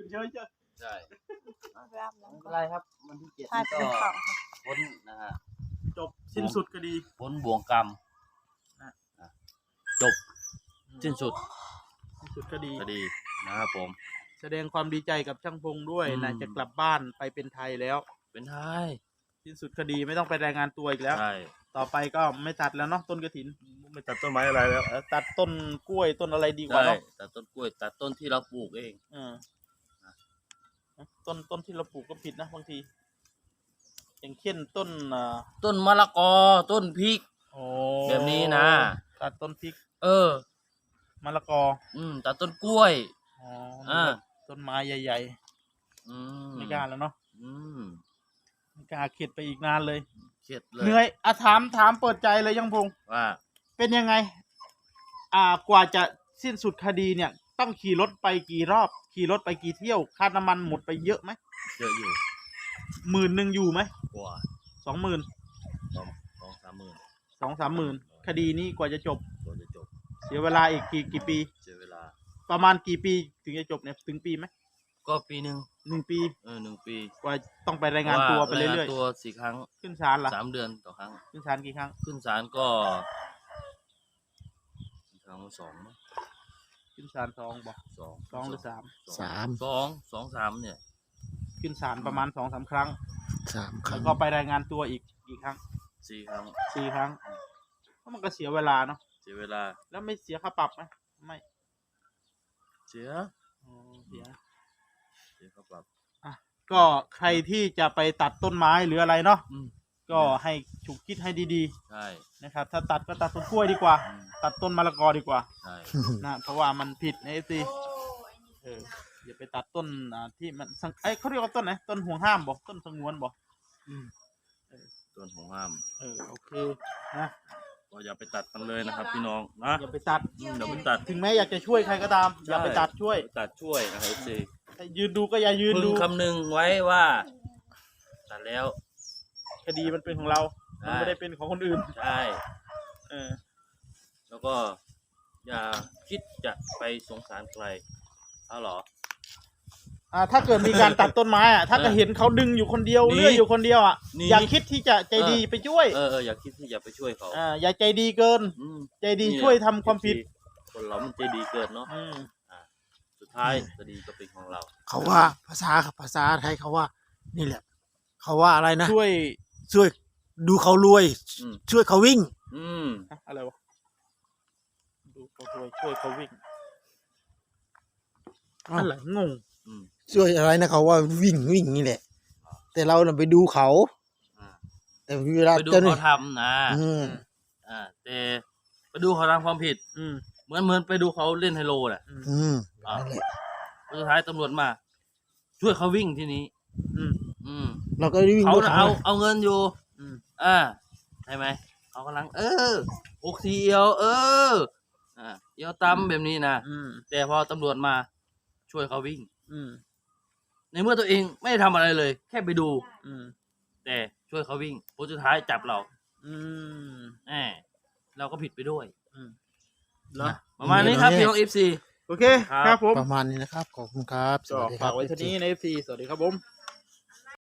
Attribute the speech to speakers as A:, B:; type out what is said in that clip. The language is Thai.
A: เฉย
B: ใช่
C: เอาไปอาบ
B: ไม่
C: น้ำ
B: เป็
C: ก่
B: น
C: อน
B: ไรครับวันที่7
C: ถ่าย
B: ก็
C: เป็นข่าว
B: พ้นนะฮะ
A: จบสิ้นสุดคดี
B: พ้นบ่วงกรรมจบสิ้นสุด
A: สิ้นสุดคดี
B: คดีนะครับผม
A: แสดงความดีใจกับช่างพงด้วย
B: อืม
A: นะจะกลับบ้านไปเป็นไทยแล้ว
B: เป็นไทย
A: สิ้นสุดคดีไม่ต้องไปรายงานตัวอีกแล้ว
B: ใช่
A: ต่อไปก็ไม่ตัดแล้วเนาะต้นกระถิน
D: ไม่ตัดต้นไม้อะไรแล้ว
A: ตัดต้นกล้วยต้นอะไรดีกว่า
B: ใช่
A: เนาะ
B: ตัดต้นกล้วยตัดต้นที่เราปลูกเอง
A: เออต้นที่เราปลูกก็ผิดนะบางที อย่างเช่นต้น
B: ต้นมะละกอต้นพริก
A: โอ้
B: แบบนี้นะ
A: ตัดต้นพริก
B: เออ
A: มะละกอ
B: ตัดต้นกล้วย
A: อ๋อ
B: อ่า
A: ต้นไม้ใหญ่
B: อืม
A: ๆไม่กล้าแล้วเนาะ
B: อืม
A: ไม่กล้าเข็ดไปอีกนานเลย
B: เข็ดเลย
A: เหนื่อยถามเปิดใจเลยยังพงษ์
B: ว่า
A: เป็นยังไง กว่าจะสิ้นสุดคดีเนี่ย ต้องขี่รถไปกี่รอบ ขี่รถไปกี่เที่ยว ค่าน้ำมันหมดไปเยอะไหม
B: เยอะอยู่
A: 10,000อยู่ไหม
B: กว่า
A: 20,000
B: 2-3 หมื่น
A: คดีนี้กว่าจะจบ
B: ตัวจะจบ
A: เสียเวลาอีกกี่ปี
B: เสียเวลา
A: ประมาณกี่ปีถึงจะจบเนี่ยถึงปีไหม
B: ก็ปีหนึ่ง
A: 1 ปี
B: 1 ปี
A: กว่าต้องไปรายงานตัวไปเรื่อย
B: รายงานตัว4 ครั้ง
A: ๆขึ้นศาลล่ะ
B: 3 เดือนต่อครั้ง
A: ขึ้นศาลกี่ครั้ง
B: ขึ้นศาลก็ครั้งละ2มั้ง
A: ขึ้นศาล2บอก 2หรือ3
B: 3เนี่ย
A: ขึ้นศาลประมาณ2-3 ครั้ง
D: 3 ค
A: แล้
D: รั้
A: ว
D: ง
A: ก็ไปรายงานตัวอีกกี่ครั้ง
B: 4 ครั้ง
A: 4 ครั้งก็มันก็เสียเวลาเนาะ
B: เสียเวลา
A: แล้วไม่เสียค่าปรับไหมไม่
B: เสีย
A: อ๋อเสีย
B: ครับแบบ
A: ก็ใครที่จะไปตัดต้นไม้หรืออะไรเนาะ
B: อืม
A: ก็ให้ฉุกคิดให้ดี
B: ใช่
A: ๆนะครับ ถ้าตัดก็ตัดต้นกล้วยดีกว่า
B: อืม
A: ตัดต้นมะละกอดีกว่า
B: ใช่
A: นะเพราะว่ามันผิดในสิอย่าไปตัดต้นที่มันเขาเรียกว่าต้นไหนต้นห่วงห้ามบอกต้นสงวนบอก
B: ต้นของห้าม
A: โอเคนะ
B: ก็อย่าไปตัดกันเลยนะครับ พี่น้องนะ
A: อย่าไปตัด
B: อย่าไปตัด
A: ถึงแม้อยากจะช่วยใครก็ตาม อย่าไปตัดช่วย
B: ตัดช่วยนะครับเจ
A: แต่ยืนดูก็อย่ายืน
B: พึ
A: ดู
B: งคำนึงไว้ว่าตัดแล้ว
A: คดีมันเป็นของเรา
B: ใช่
A: มันไม่ได้เป็นของคนอื่น
B: ใช่
A: เออ
B: แล้วก็อย่าคิดจะไปสงสารใครเอาเหรอ
A: ถ้าเกิดมีการตัดต้นไม้ถ้าก็เห็นเขาดึงอยู่คนเดียว
B: หนี
A: เลื่อยอยู่คนเดียว
B: หนี
A: อย่าคิดที่จะใจดีไปช่วย
B: อย่าคิดที่จะไปช่วยเขา
A: อย่าใจดีเกิน
B: อืม
A: ใจดี
B: นี่
A: ช่วยทำความผิด
B: คนเรามันใจดีเกินเนาะ
A: อืม
B: สุดท้ายคดีก็เป็นของเรา
D: เขาว่าภาษาไทยเขาว่า นี่แหละ เขาว่าอะไรนะ
A: ช่วย
D: ดูเขารวย
B: อืม
D: ช่วยเขาวิ่ง
B: อืม
A: อะไรวะดูเขาช่วยเขาวิ่ง
D: อ้าว
A: อะไรงง
B: อืม
D: ช่วยอะไรนะเขาว่าวิ่งนี่แหละ แต่เราน่ะไปดูเขา
B: อ่า
D: แต่เวลา
B: ไปดู
D: เจ้าหน้า
B: เขาทำนะ
D: อืม
B: แต่ไปดูเขาทำความผิด
A: อืม
B: เหมือนไปดูเขาเล่นไฮโลแหละ
D: อืม
B: อ่า
D: นั่นแหละ
B: สุดท้ายตำรวจมา ช่วยเขาวิ่งที่นี้
A: อืม
B: อืม
D: เราก็ได้วิ่ง
B: เขา
D: ดู
B: น่ะ
D: เขา
B: เอาเงินอยู่
A: อืม
B: ใช่ไหมเขากำลังอกสีเอียวเอียวตำแบบนี้นะ
A: อืม
B: แต่พอตำรวจมาช่วยเขาวิ่ง
A: อืม
B: ในเมื่อตัวเองไม่ได้ทำอะไรเลย แค่ไปดู
A: อืม
B: แต่ช่วยเขาวิ่งผลสุดท้ายจับเรา
A: อืม
B: เราก็ผิดไปด้วย
A: เนาะ
B: ประมาณนี้ครับพี่น้อง FC
A: โอเค ครับผม
D: ประมาณนี้นะครับ ขอบคุณครับ ส
A: ก็
D: วัสดีค
A: ฝา
D: รั
A: ก
D: บ
A: ไว้เท่านี้ใน FC สวัสดีครับผม